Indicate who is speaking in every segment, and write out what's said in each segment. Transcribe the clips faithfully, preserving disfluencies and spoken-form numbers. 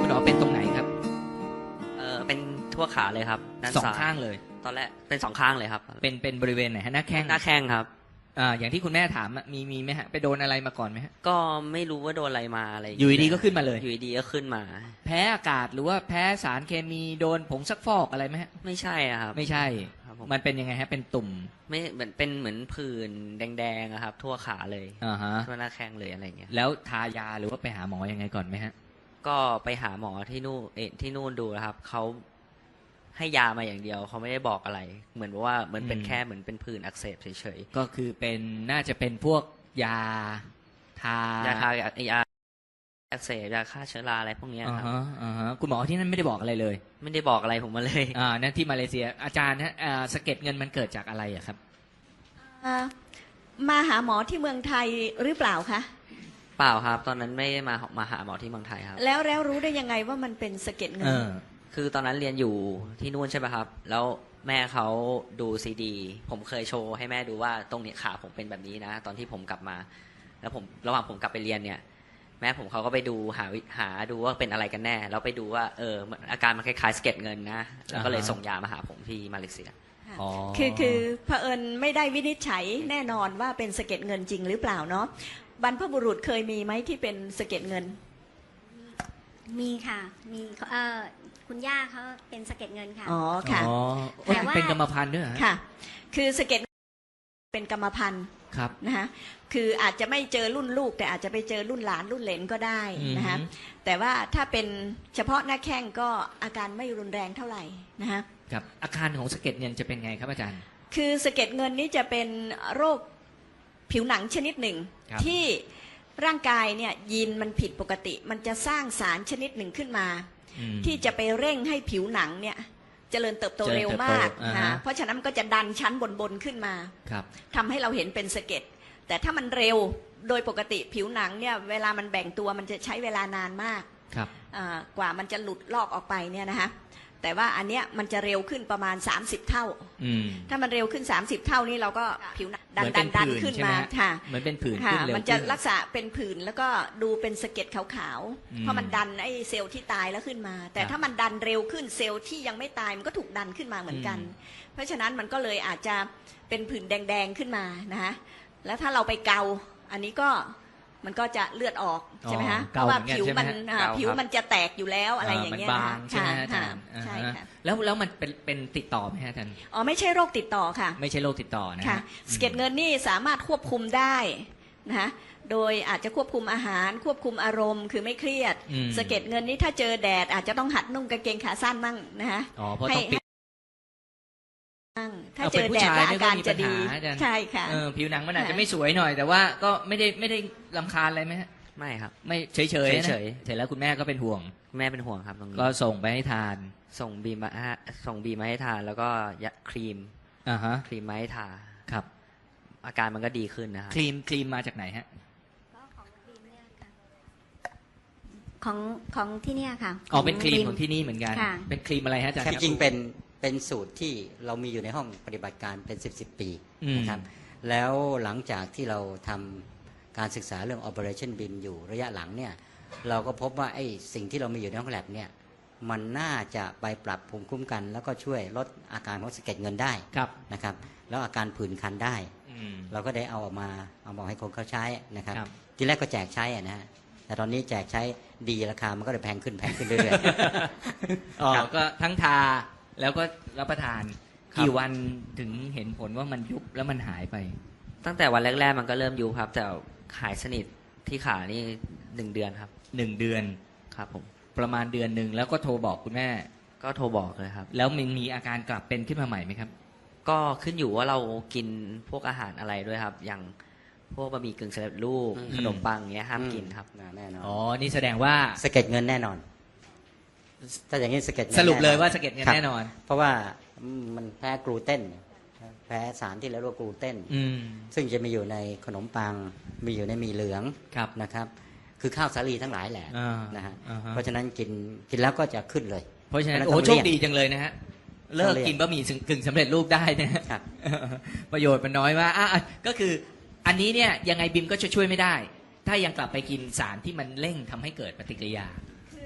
Speaker 1: หมอเป็นตรงไหนครับ
Speaker 2: เออเป็นทั่วขาเลยครับด้าน
Speaker 1: สอง
Speaker 2: ซ้าย
Speaker 1: ข้างเลย
Speaker 2: ตอนแรกเป็นสองข้างเลยครับ
Speaker 1: เป็นเป็นบริเวณไหนฮะหน้าแข้ง
Speaker 2: หน้าแข้งครับ
Speaker 1: อ่าอย่างที่คุณแม่ถามอะมีมีไหมฮะไปโดนอะไรมาก่อนไหมฮะ
Speaker 2: ก็ไม่รู้ว่าโดนอะไรมาอะไราง
Speaker 1: อ
Speaker 2: เงี้
Speaker 1: ยู่ดีๆก็ขึ้นมาเลย
Speaker 2: อยู่ดีๆก็ขึ้นมา
Speaker 1: แพ้อากาศหรือว่าแพ้สารเคมีโดนผงซักฟอกอะไรไหมฮะ
Speaker 2: ไม่ใช่อะครับ
Speaker 1: ไม่ใช่
Speaker 2: ครับผม
Speaker 1: มันเป็นยังไงฮะเป็นตุ่ม
Speaker 2: ไม่เหมือนเป็นเหมือนผื่นแดงๆอะครับ ทั่วขาเลย
Speaker 1: อ่าฮะ
Speaker 2: ทั่วหน้าแข้งเลยอะไรเงี้ย
Speaker 1: แล้วทายาหรือว่าไปหาหมอยังไงก่อนไหมฮะ
Speaker 2: ก็ไปหาหมอที่นู่นเออที่นู่นดูนะครับเขาให้ยามาอย่างเดียวเขาไม่ได้บอกอะไร เหมือนว่าเหมือนเป็น
Speaker 1: อืม
Speaker 2: แค่เหมือนเป็นผื่นอักเสบเฉย
Speaker 1: ก็คือเป็นน่าจะเป็นพวกยาทา
Speaker 2: ๆยาทายาอักเสบยาฆ่าเชื้อราอะไรพวกเนี้ย
Speaker 1: อ่า
Speaker 2: ครับ
Speaker 1: ฮะอ่าฮะคุณหมอที่นั่นไม่ได้บอกอะไรเลย
Speaker 2: ไม่ได้บอกอะไรผมมาเลย
Speaker 1: อ่านั่นที่มาเลเซียอาจารย์ฮะอ่าสะเก็ดเงินมันเกิดจากอะไรอะครับ
Speaker 3: อ่ามาหาหมอที่เมืองไทยหรือเปล่าคะ
Speaker 2: เปล่าครับ ตอนนั้นไม่ได้มามาหาหมอที่เมืองไทยครับ
Speaker 3: แล้วแล้วรู้ได้ยังไงว่ามันเป็นสะเก็ดเงิ
Speaker 1: เอน อ
Speaker 2: คือตอนนั้นเรียนอยู่ที่นู่นใช่ไหมครับ แล้วแม่เขาดูซีดี ผมเคยโชว์ให้แม่ดูว่าตรงนี้ขาผมเป็นแบบนี้นะ ตอนที่ผมกลับมา แล้วผมระหว่างผมกลับไปเรียนเนี่ย แม่ผมเขาก็ไปดูหาวิหาดูว่าเป็นอะไรกันแน่ แล้วไปดูว่าเออมันอาการมันคล้ายๆสะเก็ดเงินนะ แล้วก็เลย
Speaker 1: อ่าฮะ
Speaker 2: ส่งยามาหาผมที่มาเลเซีย
Speaker 3: ค่ะ
Speaker 1: อ๋อ
Speaker 3: คือคือเผอิญไม่ได้วินิจฉัยแน่นอนว่าเป็นสะเก็ดเงินจริงหรือเปล่าเนาะบรรพบุรุษเคยมีไหมที่เป็นสะเก็ดเงิน
Speaker 4: มีค่ะ มีเอ่อคุณย่าเขาเป็นสะเก็ดเงินค่ะ
Speaker 3: อ๋อค่ะ
Speaker 1: อ๋อ
Speaker 4: แต่ว่า
Speaker 1: เป็นกรรมพันธุ์ด้วยเหรอฮะ
Speaker 3: ค่ะ คือสะเก็ดเป็นกรรมพันธุ์
Speaker 1: ครับ
Speaker 3: นะคะคืออาจจะไม่เจอรุ่นลูก แต่อาจจะไปเจอรุ่นหลานรุ่นเหลนก็ได้นะคะแต่ว่าถ้าเป็นเฉพาะหน้าแข้งก็อาการไม่รุนแรงเท่าไหร่นะคะ
Speaker 1: ครับอาการของสะเก็ดเงินจะเป็นไงครับอาจารย์
Speaker 3: คือสะเก็ดเงินนี้จะเป็นโรคผิวหนังชนิดหนึ่ง
Speaker 1: ครับ
Speaker 3: ที่ร่างกายเนี่ยยีนมันผิดปกติ มันจะสร้างสารชนิดหนึ่งขึ้นมา
Speaker 1: อืม
Speaker 3: ที่จะไปเร่งให้ผิวหนังเนี่ยเจริญเติบโต
Speaker 1: เจริญ
Speaker 3: เร็ว
Speaker 1: เติบโต
Speaker 3: มาก
Speaker 1: อ่าฮะ
Speaker 3: นะเพราะฉะนั้นมันก็จะดันชั้นบนๆขึ้นมา
Speaker 1: ครับ
Speaker 3: ทำให้เราเห็นเป็นสะเก็ดแต่ถ้ามันเร็วโดยปกติผิวหนังเนี่ยเวลามันแบ่งตัวมันจะใช้เวลานานมาก
Speaker 1: ครับ
Speaker 3: อ่ากว่ามันจะหลุดลอกออกไปเนี่ยนะคะแต่ว่าอันเนี้ยมันจะเร็วขึ้นประมาณสามสิบเท่า
Speaker 1: อืม
Speaker 3: ถ้ามันเร็วขึ้นสามสิบเท่านี่เราก็ผิวหนังดัน
Speaker 1: เหมื
Speaker 3: ดั
Speaker 1: อน
Speaker 3: น
Speaker 1: เป็น
Speaker 3: ดัน
Speaker 1: ผื่น
Speaker 3: ขึ้น
Speaker 1: ใช่ไหม
Speaker 3: มา
Speaker 1: ฮะ
Speaker 3: ค่ะ
Speaker 1: เหมือนเป็นผื่น
Speaker 3: ค่ะ
Speaker 1: ขึ้นเร็ว
Speaker 3: มันจะ
Speaker 1: ขึ้น
Speaker 3: ลักษณะเป็นผื่นแล้วก็ดูเป็นสะเก็ดขาว
Speaker 1: อืม
Speaker 3: ๆเพราะมันดันไอ้เซลล์ที่ตายแล้วขึ้นมา แต่
Speaker 1: ครับ
Speaker 3: ถ้ามันดันเร็วขึ้นเซลล์ที่ยังไม่ตายมันก็ถูกดันขึ้นมาเหมือนกัน
Speaker 1: อืม
Speaker 3: เพราะฉะนั้นมันก็เลยอาจจะเป็นผื่นแดงๆขึ้นมานะคะแล้วถ้าเราไปเกาอันนี้ก็มันก็จะเลือดออกใช่ไหมคะเพ
Speaker 1: เกา
Speaker 3: ราะว่า
Speaker 1: เหมือนกัน
Speaker 3: ผิว
Speaker 1: ใช่ไหม
Speaker 3: มัน
Speaker 1: ฮะ
Speaker 3: อ่า
Speaker 2: เกา
Speaker 3: ผิว
Speaker 2: ครับ
Speaker 3: มันจะแตกอยู่แล้วอะไรอย่างเงี้ย
Speaker 1: มัน
Speaker 3: นะ
Speaker 1: บา
Speaker 3: คะ
Speaker 1: งใช่ไหม
Speaker 3: ค่ะ
Speaker 1: อาจารย์
Speaker 3: ค่ะใช่
Speaker 1: อ่าฮะ
Speaker 3: ค่ะ
Speaker 1: แล้วแล้วมันเป็นเป็นติดต่อไหมฮะอาจารย์
Speaker 3: อ๋อไม่ใช่โรคติดต่อค่ะ
Speaker 1: ไม่ใช่โรคติดต่อนะ
Speaker 3: ค่ะ
Speaker 1: ฮะ
Speaker 3: สะเก็ดเงินนี่สามารถควบคุมได้นะคะโดยอาจจะควบคุมอาหารควบคุมอารมณ์คือไม่เครียด
Speaker 1: อืม
Speaker 3: สะเก็ดเงินนี่ถ้าเจอแดดอาจจะต้องหัดนุ่งกางเกงขาสั้นมั่งนะคะ
Speaker 1: อ๋อเพราะต้องปิด
Speaker 3: มั่งถ้า
Speaker 1: เอา
Speaker 3: เจ
Speaker 1: เป็น
Speaker 3: อ
Speaker 1: ผู้
Speaker 3: แดด
Speaker 1: ชาย
Speaker 3: แล้ว
Speaker 1: ไม่
Speaker 3: อา
Speaker 1: ค่อย
Speaker 3: การ
Speaker 1: มี
Speaker 3: จะดี
Speaker 1: ปัญหาอาจารย์
Speaker 3: ใช่ค่ะ
Speaker 1: เออผิวหนังมันอาจจะ
Speaker 3: ค่ะ
Speaker 1: ไม่สวยหน่อย แต่ว่าก็ไม่ได้ไม่ได้รำคาญอะไรไหมฮะ
Speaker 2: ไม่ครับ
Speaker 1: ไม่เฉยเฉยๆนะ
Speaker 2: เฉย
Speaker 1: เสร็จแล้วคุณแม่ก็เป็นห่วง
Speaker 2: แม่เป็นห่วงครับตรงนี้
Speaker 1: ก็ส่งไปให้ทาน
Speaker 2: ส่งบีมมาให้ส่งบีมมาให้ทาน แล้วก็ยาครีม
Speaker 1: อ่าฮะ
Speaker 2: ครีมมาให้ทา
Speaker 1: ครับ
Speaker 2: อาการมันก็ดีขึ้นนะครับ
Speaker 1: ครีมครีมมาจากไหนฮะ
Speaker 4: ก็ของบีมเนี่ยค่ะของของที่เนี่ยค่ะ
Speaker 1: อ๋อเป็นครีม
Speaker 4: บี
Speaker 1: ของที่นี่เหมือนกัน
Speaker 4: ค่ะ
Speaker 1: เป็นครีมอะไรฮะอาจารย์
Speaker 5: จริงๆเป็นเป็นสูตรที่เรามีอยู่ในห้องปฏิบัติการเป็นสิบสิบปี
Speaker 1: อืม
Speaker 5: นะครับแล้วหลังจากที่เราทำการศึกษาเรื่อง Operationบี เอ็ม อยู่ระยะหลังเนี่ยเราก็พบว่าไอ้สิ่งที่เรามีอยู่ในห้องแลบเนี่ยมันน่าจะไปปรับภูมิคุ้มกัน แล้วก็ช่วยลดอาการของสะเก็ดเงินได้
Speaker 1: ครับ
Speaker 5: นะครับแล้วอาการผื่นคันได้
Speaker 1: อืม
Speaker 5: เราก็ได้เอาออกมาเอามาให้คนเขาใช้นะครับ
Speaker 1: ครับ
Speaker 5: ทีแรกก็แจกใช้อะนะฮะแต่ตอนนี้แจกใช้ดีราคามันก็เลยแพงขึ้นแพงขึ้นเรื่อยๆ
Speaker 1: อ๋อ
Speaker 5: ครับ
Speaker 1: ก็ทั้งทาแล้วก็รับประทาน
Speaker 2: ครับ
Speaker 1: กี่วันถึงเห็นผลว่ามันยุบแล้วมันหายไป
Speaker 2: ตั้งแต่วันแรกๆมันก็เริ่มยุบครับ แต่หายสนิทที่ขานี่หนึ่งเดือนครับ
Speaker 1: หนึ่งเดือน
Speaker 2: ครับผม
Speaker 1: ประมาณเดือนหนึ่งแล้วก็โทรบอกคุณแม่
Speaker 2: ก็โทรบอกเลยครับ
Speaker 1: แล้วมันมีอาการกลับเป็นขึ้นมาใหม่ไหมครับ
Speaker 2: ก็ขึ้นอยู่ว่าเรากินพวกอาหารอะไรด้วยครับ อย่างพวกบะหมี่กึ่งสำเร็จรูป
Speaker 5: อืม
Speaker 2: ขนมปังเงี้ยห้ามกินครับ
Speaker 5: แน่นอน
Speaker 1: อ๋อ นี่แสดงว่า
Speaker 5: สะเก็ดเงินแน่นอน ถ้าอย่างนี้สะเก็ดเงิน
Speaker 1: สรุปเลย
Speaker 5: แน่นอน
Speaker 1: ว่าสะเก็ดเงิน
Speaker 5: ครับ
Speaker 1: แน่นอน
Speaker 5: เพราะว่ามันแพ้กลูเตนแพ้สารที่เรียกว่ากลูเตน
Speaker 1: อืม
Speaker 5: ซึ่งจะมีอยู่ในขนมปัง มีอยู่ในหมี่เหลือง
Speaker 1: ครับ
Speaker 5: นะครับ คือข้าวสาลีทั้งหลายแหละ
Speaker 1: อ่า
Speaker 5: นะฮะ
Speaker 1: อ่าฮะ
Speaker 5: เพราะฉะนั้นกินกินแล้วก็จะขึ้นเลย
Speaker 1: เพราะฉะนั้น
Speaker 5: เพ
Speaker 1: โอ้
Speaker 5: ราะฉะนั้น
Speaker 1: โช
Speaker 5: ต้อง
Speaker 1: ค
Speaker 5: เลี่ยง
Speaker 1: ดีจังเลยนะฮะ เลิกกินบะหมี่กึ่งสำเร็จรูปได้นะฮะ
Speaker 5: ครับ
Speaker 1: ประโยชน์มันน้อยมากอ่ะอ่ะก็คืออันนี้เนี่ยยังไงบิมก็จะช่วยไม่ได้ ถ้ายังกลับไปกินสารที่มันเร่งทำให้เกิดปฏิกิริยา
Speaker 3: คือ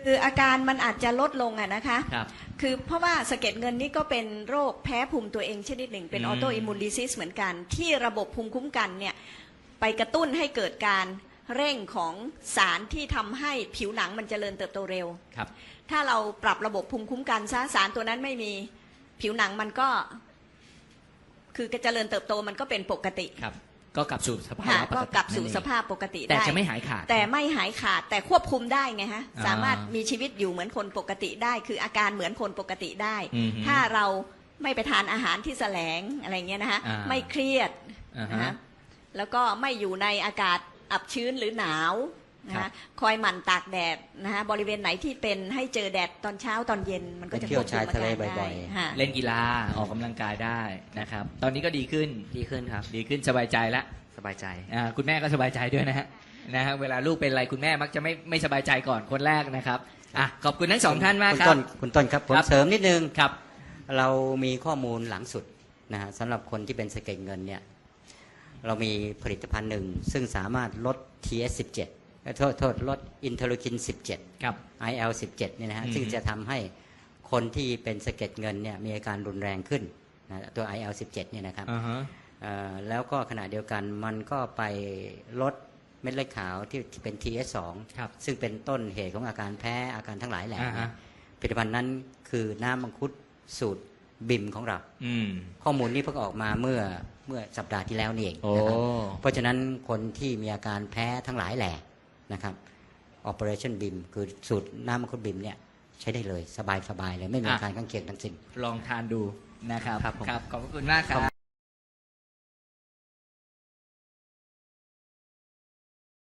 Speaker 3: คืออาการมันอาจจะลดลงอะนะคะ
Speaker 1: ครับ
Speaker 3: คือเพราะว่าสะเก็ดเงินนี่ก็เป็นโรคแพ้ภูมิตัวเองชนิดหนึ่งเป็น
Speaker 1: อื
Speaker 3: อ
Speaker 1: ม
Speaker 3: อโตอิมมูนดิซิสเหมือนกัน ที่ระบบภูมิคุ้มกันเนี่ยไปกระตุ้นให้เกิดการเร่งของสารที่ทำให้ผิวหนังมันเจริญเติบโตเร็ว
Speaker 1: ครับ
Speaker 3: ถ้าเราปรับระบบภูมิคุ้มกันซะสารตัวนั้นไม่มีผิวหนังมันก็ คือเจริญเติบโตมันก็เป็นปกติ
Speaker 1: ครับ ก็กลับสู่สภา
Speaker 3: ค่ะ
Speaker 1: พป
Speaker 3: ก็
Speaker 1: กติ
Speaker 3: กลับสู่
Speaker 1: นั่นเอง
Speaker 3: สภาพปกติ
Speaker 1: แต่
Speaker 3: ได้
Speaker 1: จะไม่หายขาด
Speaker 3: แต่ไม่หายขาดแต่ควบคุมได้ไงฮะ
Speaker 1: อ่า
Speaker 3: สามารถมีชีวิตอยู่เหมือนคนปกติได้ คืออาการเหมือนคนปกติได้
Speaker 1: อือฮึ
Speaker 3: ถ้าเราไม่ไปทานอาหารที่แสลงอะไรเงี้ยนะฮะ
Speaker 1: อ่า
Speaker 3: ไม่เครียด
Speaker 1: อ่า
Speaker 3: นะ
Speaker 1: ฮะ
Speaker 3: ฮะแล้วก็ไม่อยู่ในอากาศอับชื้นหรือหนาวนะ
Speaker 1: ครั
Speaker 3: ฮะ
Speaker 1: บ
Speaker 3: คอยหมั่นตากแดดนะฮะบริเวณไหนที่เป็นให้เจอแดดตอนเช้าตอนเย็นมันก็จะ
Speaker 5: ไปเที่ยวชายทะเล
Speaker 3: ควบคุมอาการ
Speaker 5: บ่อย
Speaker 3: ได้
Speaker 5: ๆ
Speaker 3: ฮะ
Speaker 1: เล่นกีฬาออกกำลังกายได้นะครับ ตอนนี้ก็ดีขึ้น
Speaker 2: ดีขึ้นครับ
Speaker 1: ดีขึ้นสบายใจแล้ว
Speaker 2: สบายใจ
Speaker 1: อ่าคุณแม่ก็สบายใจด้วยนะฮะนะฮะเวลาลูกเป็นอะไรคุณแม่มักจะไม่ไม่สบายใจก่อนคนแรกนะครับอ่ะขอบคุณทั้งสองท่านมาก
Speaker 5: คุณ
Speaker 1: ครั
Speaker 5: ต้
Speaker 1: บ
Speaker 5: นคุณต้นครับผม
Speaker 1: ครับ
Speaker 5: เสริมนิดนึง
Speaker 1: ครับ
Speaker 5: เรามีข้อมูลหลังสุดนะฮะสำหรับคนที่เป็นสะเก็ดเงินเนี่ยเรามีผลิตภัณฑ์หนึ่งซึ่งสามารถลด ที เอส สิบเจ็ด โทษโทษลดอินเทอร์ลูคิน สิบเจ็ด
Speaker 1: ครับ
Speaker 5: ไอ แอล สิบเจ็ดเนี่ยนะฮะ
Speaker 1: อืม
Speaker 5: ซึ่งจะทำให้คนที่เป็นสะเก็ดเงินเนี่ยมีอาการรุนแรงขึ้นนะตัว ไอ แอล สิบเจ็ดเนี่ยนะครับ
Speaker 1: อ่าฮะ
Speaker 5: เอ่อแล้วก็ขณะเดียวกันมันก็ไปลดเม็ดเลือดขาวที่ที่เป็น ที เอส สอง
Speaker 1: ครับ
Speaker 5: ซึ่งเป็นต้นเหตุของอาการแพ้อาการทั้งหลายแหล่
Speaker 1: อ่าฮะ
Speaker 5: เนี่ยผลิตภัณฑ์นั้นคือน้ำมังคุดสูตรบิมของเรา
Speaker 1: อืม
Speaker 5: ข้อมูลนี้เพิ่งออกมาเมื่อเมื่อสัปดาห์ที่แล้วนี่เอง
Speaker 1: โอ้
Speaker 5: นะครับเพราะฉะนั้นคนที่มีอาการแพ้ทั้งหลายแหล่นะครับ Operation B I M คือสูตรน้ำมังคุดบิมเนี่ยใช้ได้เลยสบายๆเลยไม่มีอาการข้างเคียงทั้งสิ้น
Speaker 1: ลองทานดูนะครับ
Speaker 2: ครับผม
Speaker 1: ครับขอบพระคุณมากครับ